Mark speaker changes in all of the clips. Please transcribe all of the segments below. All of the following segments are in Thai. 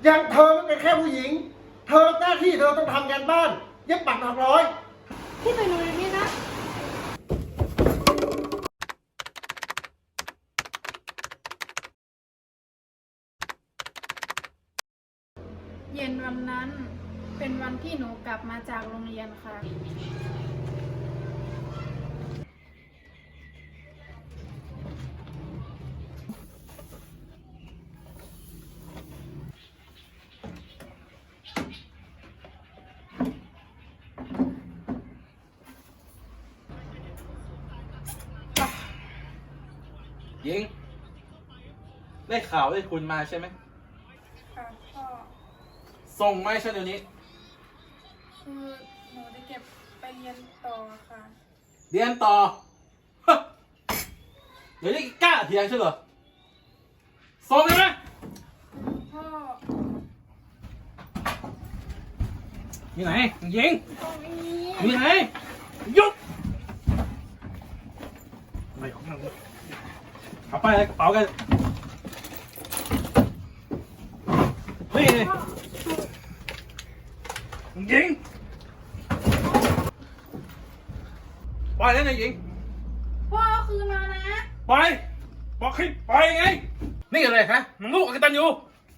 Speaker 1: ยังเธอไม่เป็นแค่ผู้หญิงเธอหน้าที่เธอต้องทำงานบ้านเย็บปักถักร้อย
Speaker 2: พี่ไปโรงเรียนนี่นะเย็นวันนั้นเป็นวันที่หนูกลับมาจากโรงเรียนค่ะ
Speaker 3: หญิงได้ข่าวได้คุณมาใช่ไหม
Speaker 2: ค่ะพ่อ
Speaker 3: ส่งมาให้ฉันเดี๋ยวนี้
Speaker 2: คือหนูจะเก็บไปเรียนต่อค่ะ
Speaker 3: เรียนต่อฮะเดี๋ยวนี้กล้าเถียงฉันเหรอส่งเลยไหม
Speaker 2: พ่อ
Speaker 3: มีไหนหญิง
Speaker 2: ตรงนี้
Speaker 3: มีไหนหยุดไม่ของมันเอาไปเลยกระเป๋ากันนี่หญิงไปแล้วนะหญิง
Speaker 2: พ่อคืนมานะ
Speaker 3: ไปบอกให้ไปไงนี่อะไรฮะมันลูกอกตันอยู่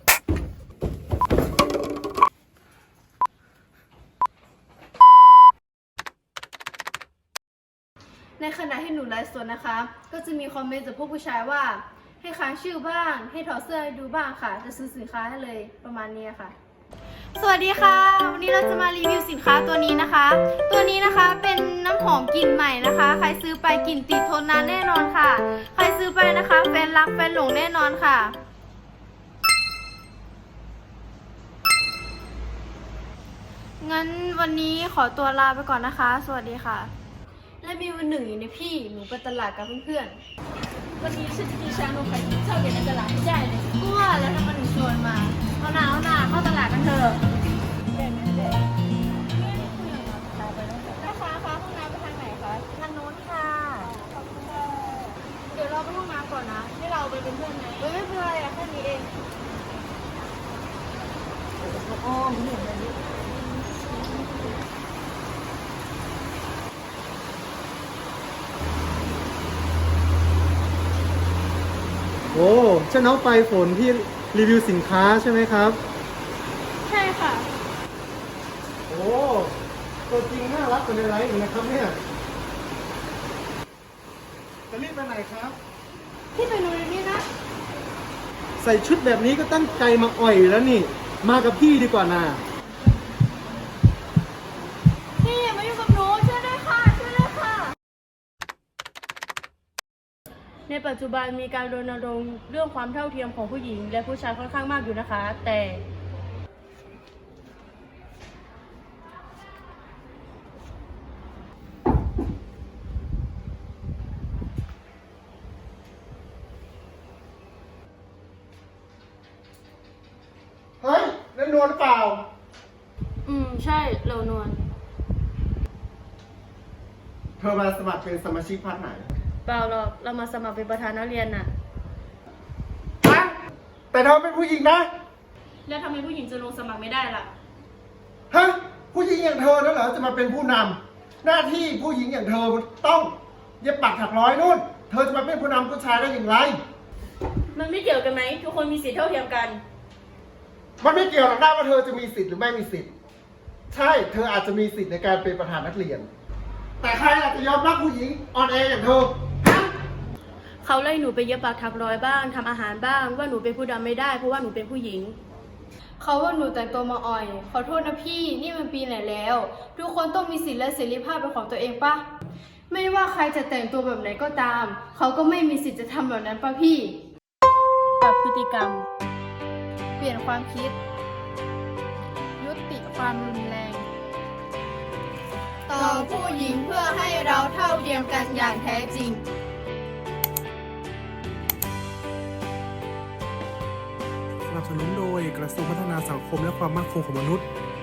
Speaker 2: ในขณะที่หนูไลฟ์สดนะคะ ก็จะมีคอมเมนต์จากพวกผู้ชายว่าให้ค้างชื่อบ้างให้ถอดเสื้อให้ดูบ้างค่ะจะซื้อสินค้าให้เลยประมาณนี้ค่ะสวัสดีค่ะวันนี้เราจะมารีวิวสินค้าตัวนี้นะคะตัวนี้นะคะเป็นน้ำหอมกลิ่นใหม่นะคะใครซื้อไปกลิ่นติดทนนานแน่นอนค่ะใครซื้อไปนะคะแฟนรักแฟนหลงแน่นอนค่ะงั้นวันนี้ขอตัวลาไปก่อนนะคะสวัสดีค่ะและมีวันหนึ่งอยู่ในพี่หนูไปตลาดกับเพื่อนๆวันนี้ฉันจะกินชานมไข่มุกชอบกินในตลาดไม่ได้เลยกลัวแล้วทำไมถึงชวนมาเอาหนาเข้าตลาดกันเถอะแม่ค้าคะห้องน้ำไปทางไหนคะทางโน้นค่ะขอบคุณค่ะเดี๋ยวเราไปห้องน้ำก่อนนะให้เราไปเป็นเพื่อนไหมไม่เป็นไรอะแค่นี้เองอ้อมเห็นเลย
Speaker 1: โอ้ใช่น้องปลายฝนที่รีวิวสินค้าใช่ไหมครับ
Speaker 2: ใช่ค่ะ
Speaker 1: โอ้ตัวจริงน่ารักกว่าในไลฟ์อีกนะครับเนี่ยจะรีบไปไหนครับ
Speaker 2: พี่ไปโรงเรียนนี่นะ
Speaker 1: ใส่ชุดแบบนี้ก็ตั้งใจมาอ่อยแล้วนี่มากับพี่ดีกว่านะ
Speaker 2: พี่อย่ามายุ่งกับหนูช่วยด้วยค่ะช่วยด้วยค่ะในปัจจุบันมีการรณรงค์เรื่องความเท่าเทียมของผู้หญิงและผู้ชายค่อนข้างมากอยู่นะคะแต่
Speaker 1: เฮ้ยเล่นนวลเปล่า
Speaker 2: ใช่เรานวล
Speaker 1: เธอมาสมัครเป็นสมาชิกพรรคไหน
Speaker 2: เปล่าหรอกเรามาสมัครเป็นประธานนักเรียนน่ะ
Speaker 1: ฮะแต่เธอเป็นผู้หญิงนะ
Speaker 2: แล้วทำไมผู้หญิงจะลงสมัครไม่ได้ล่ะ
Speaker 1: ฮะผู้หญิงอย่างเธอนั่นเหรอจะมาเป็นผู้นำหน้าที่ผู้หญิงอย่างเธอต้องเย็บปักถักร้อยนู่นเธอจะมาเป็นผู้นำผู้ชายได้อย่างไร
Speaker 2: มันไม่เกี่ยวกันไหมทุกคนมีสิทธิเท่าเทียมกัน
Speaker 1: มันไม่เกี่ยวหรอกนะว่าเธอจะมีสิทธิ์หรือไม่มีสิทธิ์ใช่เธออาจจะมีสิทธิ์ในการเป็นประธานนักเรียนแต่ใครอาจจะยอมรับผู้หญิงอ่อนแออย่างเธอฮะ
Speaker 2: เขาไล่หนูไปเย็บปักถักร้อยบ้างทำอาหารบ้างว่าหนูเป็นผู้นำไม่ได้เพราะว่าหนูเป็นผู้หญิงเขาว่าหนูแต่งตัวมาอ่อยขอโทษนะพี่นี่มันปีไหนแล้วทุกคนต้องมีสิทธิและเสรีภาพเป็นของตัวเองปะไม่ว่าใครจะแต่งตัวแบบไหนก็ตามเขาก็ไม่มีสิทธิ์จะทำแบบนั้นปะพี่ปรับพฤติกรรมเปลี่ยนความคิดยุติความรุนแรงต่อผู้หญิงเพื่อให้เราเท่าเทียมกันอย่างแท้จริง
Speaker 4: สนับสนุนโดยกระทรวงพัฒนาสังคมและความมั่นคงของมนุษย์